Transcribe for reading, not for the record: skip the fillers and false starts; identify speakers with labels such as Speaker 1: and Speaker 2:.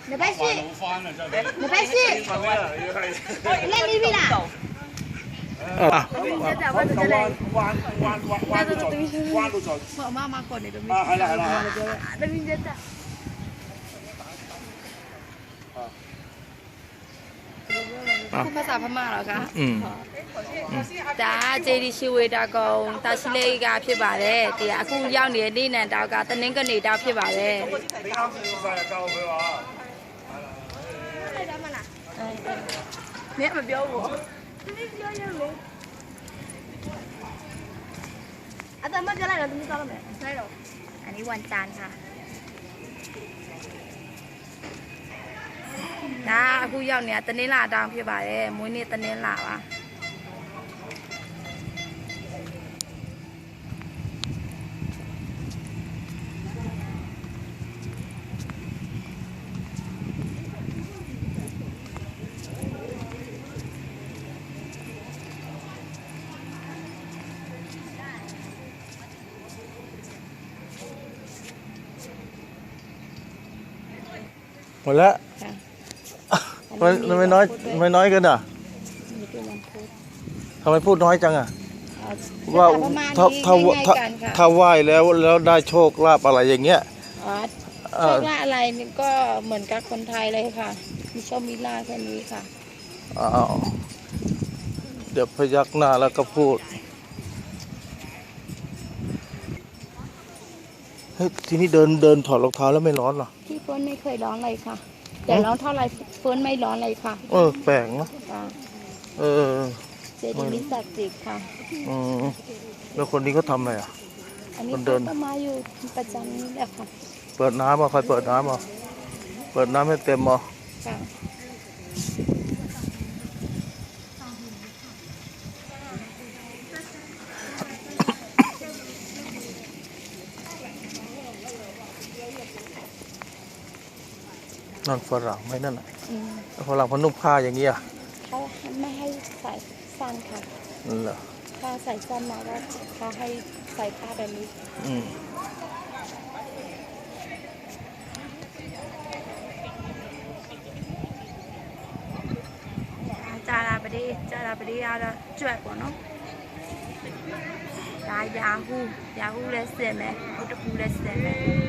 Speaker 1: 你别去，你别去，那你别啦。我妈妈过来都没。係啦係啦。那邊真係。พูดภาษาพม่าเหรอคะจ้าเจดีชิเวดากงตาชิเลกาဖြစ်ပါတယ်ဒီအခုရောက်နေတဲ့နေ့နဲ့တောက်ကတနင်္ဂနွေတောက်ဖြစ်ပါတယ်မင်းမပြောဘူးမင်းပြောရလို့အတမပြောလိုက်တော့သမီးသွားလို့မယ်ဆိုင်တော့อันนี้วันจันทร์ค่ะဒါအခုရောက်နေတာတနင်္လာတောင်ဖြစ်ပါတယ်မွေးနေ့တနင်္လာပါ
Speaker 2: หมดแล้วทำไมน้อยกันอ่ะทำไมพูดน้อยจังอ่ะว่าถ้าไหว้แล้วได้โชคลาภอะไรอย่างเงี้ย
Speaker 1: โชคลาภอะไรนี่ก็เหมือนกับคนไทยเลยค่ะมีโชคมีลาภแค่นี้ค่ะ
Speaker 2: เดี๋ยวพยักหน้าแล้วก็พูดเฮ้ยทีนี้เดินถอดรองเท้าแล้วไม่ร้อนหรอ
Speaker 1: ที่เฟิร์นไม่เคยร้อนเลยค่ะแต่ร้อนเท่าไรเฟิร์นไม่ร้อนเลยค่ะ
Speaker 2: แปลกนะ
Speaker 1: เจดีย์มิสักจิกค่ะ
Speaker 2: แล้วคนนี้เขาทำอะไรอ่ะ
Speaker 1: คนเดินก็มาอยู่ประจำนี่แหละค่ะ
Speaker 2: เปิดน้ำมาใครเปิดน้ำมาเปิดน้ำให้เต็มมานั่นฝรั่งไหมนั่นน่ะฝรั่งพนุ่งผ้าอย่างเงี้ย
Speaker 1: เขาไม่ให้ใส่สั้นค่ะ
Speaker 2: เหรอ
Speaker 1: ถ้าใส่สั้นมาก็เขาให้ใส่ผ้าแบบนี้จาราบดีเราจวดกว่าเนาะยาฮูเลยเสียไหมพุทธภูเลยเสียไหม